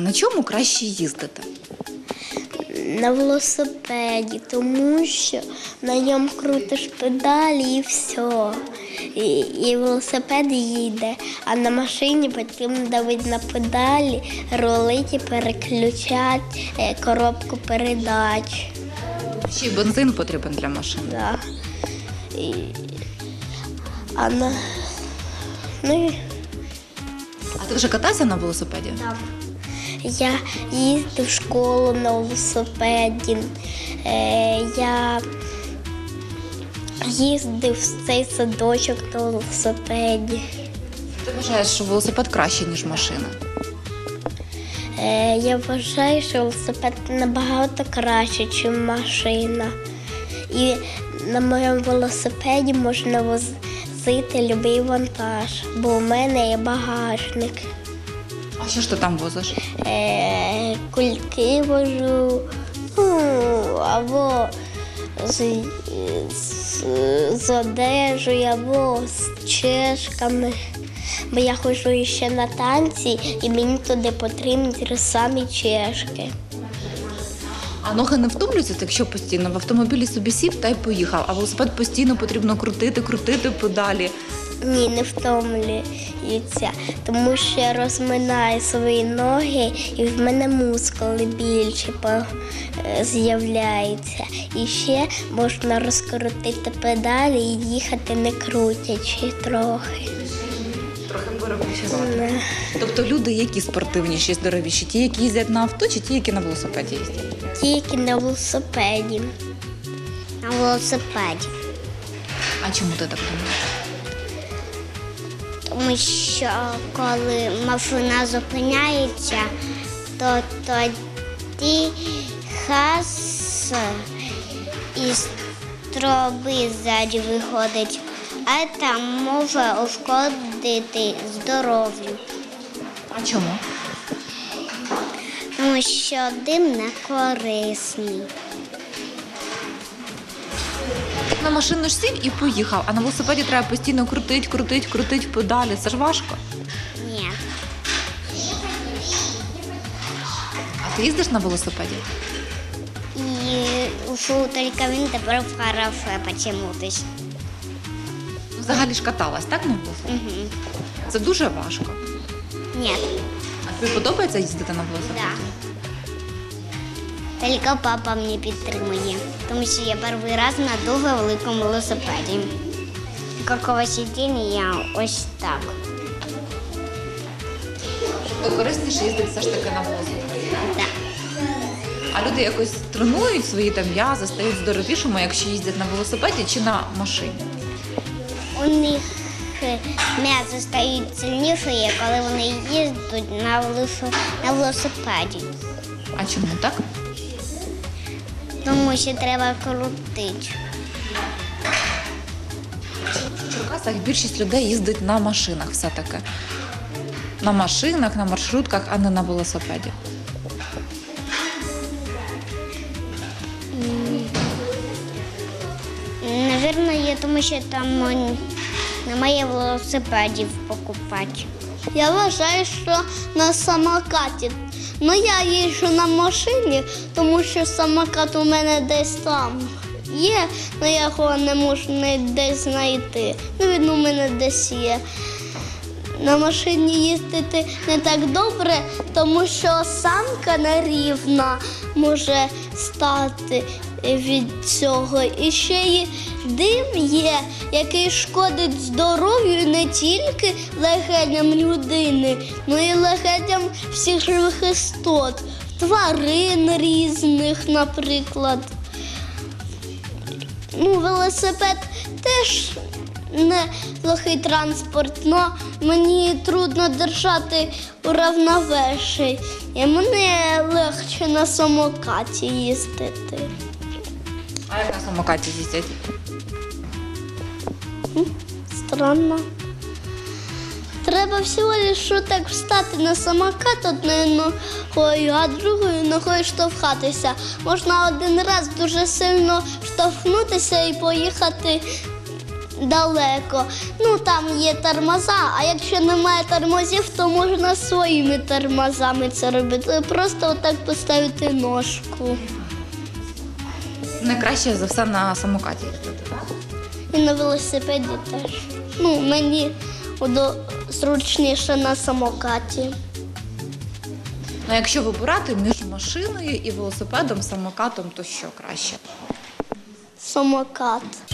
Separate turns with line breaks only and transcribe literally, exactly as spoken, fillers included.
На чому краще їздити?
На велосипеді, тому що на ньому крутиш педалі і все. І, і велосипед їде, а на машині потрібно давити на педалі, рулити, переключати е, коробку передач.
Ще й бензин потрібен для машини.
Да. І, а на, ну, і
А ти вже катався на велосипеді?
так. Я їздив в школу на велосипеді, е, я їздив в цей садочок на велосипеді.
Ти вважаєш, що велосипед краще, ніж машина?
Е, я вважаю, що велосипед набагато краще, ніж машина. І на моєму велосипеді можна возити будь-який вантаж, бо у мене є багажник.
А що ж ти там возиш?
Е, кульки вожу, ну, або з, з, з одежею, або з чешками. Бо я ходжу ще на танці, і мені туди потрібні ті самі чешки.
А ноги не втомлюються, якщо постійно в автомобілі собі сів та й поїхав, а велосипед постійно потрібно крутити, крутити педалі.
Ні, не втомлюються, тому що я розминаю свої ноги, і в мене мускули більше з'являються. І ще можна розкрутити педалі і їхати не крутячи трохи.
Трохи перепочивати. Тобто люди, які спортивніші, здоровіші, ті, які їздять на авто, чи ті, які на велосипеді їздять?
Тільки на велосипеді. На велосипеді.
А чому ти так думаєш?
Тому що коли машина зупиняється, то тоді газ із труби ззаді виходить, а там може ушкодити здоров'ю.
А чому?
Тому що дим не корисний.
На машину ж сів і поїхав, а на велосипеді треба постійно крутить, крутить, крутить педалі. Це ж важко.
Ні.
А ти їздиш на велосипеді?
І фу, тільки він тепер в хороше почему-то.
Взагалі ж каталась, так, на велосипеді?
Угу.
Це дуже важко.
Ні.
А тобі подобається їздити на велосипеді?
Да. Тільки папа мене підтримує, тому що я перший раз на дуже великому велосипеді. Какого сидіння я ось так.
То корисніше їздити все ж таки на велосипеді.
Да.
А люди якось тренують свої там м'язи, стають здоровішими, якщо їздять на велосипеді чи на машині?
У них м'язи стають сильніші, коли вони їздять на, велосип... на велосипеді.
А чому так?
Тому що треба крутити.
В Черкасах більшість людей їздить на машинах все-таки. На машинах, на маршрутках, а не на велосипеді.
Навірно, є, тому що там немає велосипедів покупати. Я вважаю, що на самокаті. Ну, я їжджу на машині, тому що самокат у мене десь там є, але я його не можу десь знайти. Ну, він у мене десь є. На машині їздити не так добре, тому що самка нерівна може стати від цього. І ще й дим є, який шкодить здоров'ю не тільки легеням людини, але й легеням всіх живих істот, тварин різних, наприклад. Ну, велосипед теж не плохий транспорт, але мені трудно держати у рівновесі. І мені легше на самокаті їздити.
А як на самокаті їздять?
Странно. Треба всього лише так встати на самокат одною ногою, а другою ногою штовхатися. Можна один раз дуже сильно штовхнутися і поїхати далеко. Ну там є тормоза, а якщо немає тормозів, то можна своїми тормозами це робити. Просто отак поставити ножку.
Найкраще за все на самокаті їздити, так?
І на велосипеді теж. Ну, мені удо- зручніше на самокаті.
Ну, якщо вибирати між машиною і велосипедом, самокатом, то що краще?
Самокат.